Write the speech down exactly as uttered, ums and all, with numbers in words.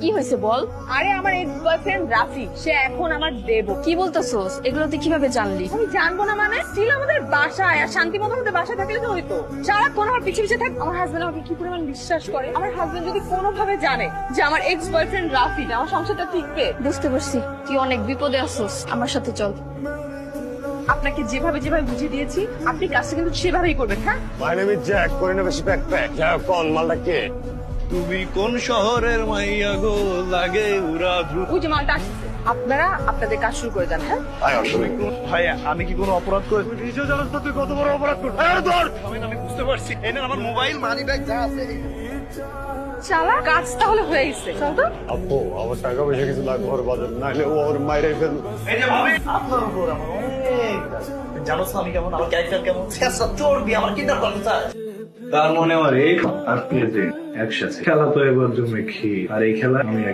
কি হয়েছে বল। আরে আমার এক্স বয়ফ্রেন্ড রাফি, সে এখন আমার দেব। কি বলতেছস? এগুলো তুই কিভাবে জানলি? আমি জানবো না মানে? ছিল আমাদের বাসায়, আর শান্তি মতো আমাদের বাসায় থাকলে তো হইতো। সারাক্ষণ আমার পিছে পিছে থাক। আমার হাজবেন্ড আমাকে কি পরিমাণ বিশ্বাস করে। আমার হাজবেন্ড যদি কোনোভাবে জানে যে আমার এক্স বয়ফ্রেন্ড রাফি, আমার সংসারটা টিকবে। বুঝতে পারছি তুই অনেক বিপদে আছস, আমার সাথে চল। আপনাকে যেভাবে যেভাবে বুঝিয়ে দিয়েছি আপনি কাজটা কিন্তু সেভাবেই করবেন। হ্যাঁ, মাই নেম ইজ জ্যাক, করি না বেশি ব্যাকপ্যাক। জ্যাক কোন মালটা কে? তুমি কোন শহরের মাইয়া গো, লাগে উড়া দ্রুত। ওই যে মালটা আসছে। আপনারা আপনাদের কাজ শুরু করে দেন। হ্যাঁ, আয় আসলে ভাই আমি কি কোনো অপরাধ করে? তুই নিজেও জানাস না তুই কত বড় অপরাধ করছিস। আরে ধর, আমি আমি বুঝতে পারছি। এই নেন আমার মোবাইল, মানি ব্যাগ যা আছে। চালা কাজ তাহলে হয়ে গেছে। চল তো। আপু আমার টাকা পয়সা কিছু লাগবে ওর বাজার, নাহলে ও ওর মাইরে ফেলবে। এই যে ভাবি, আপনার উপর আমার অনেক দায়। জানোস না আমি কেমন, আমার ক্যারেক্টার কেমন? শেষা চর্বি, আমার কিডন্যাপ করতে চায়। তার মনে আমার এই আর প্লেজে একসাথে খেলা তো এবার জমে খি আর এই খেলা আমি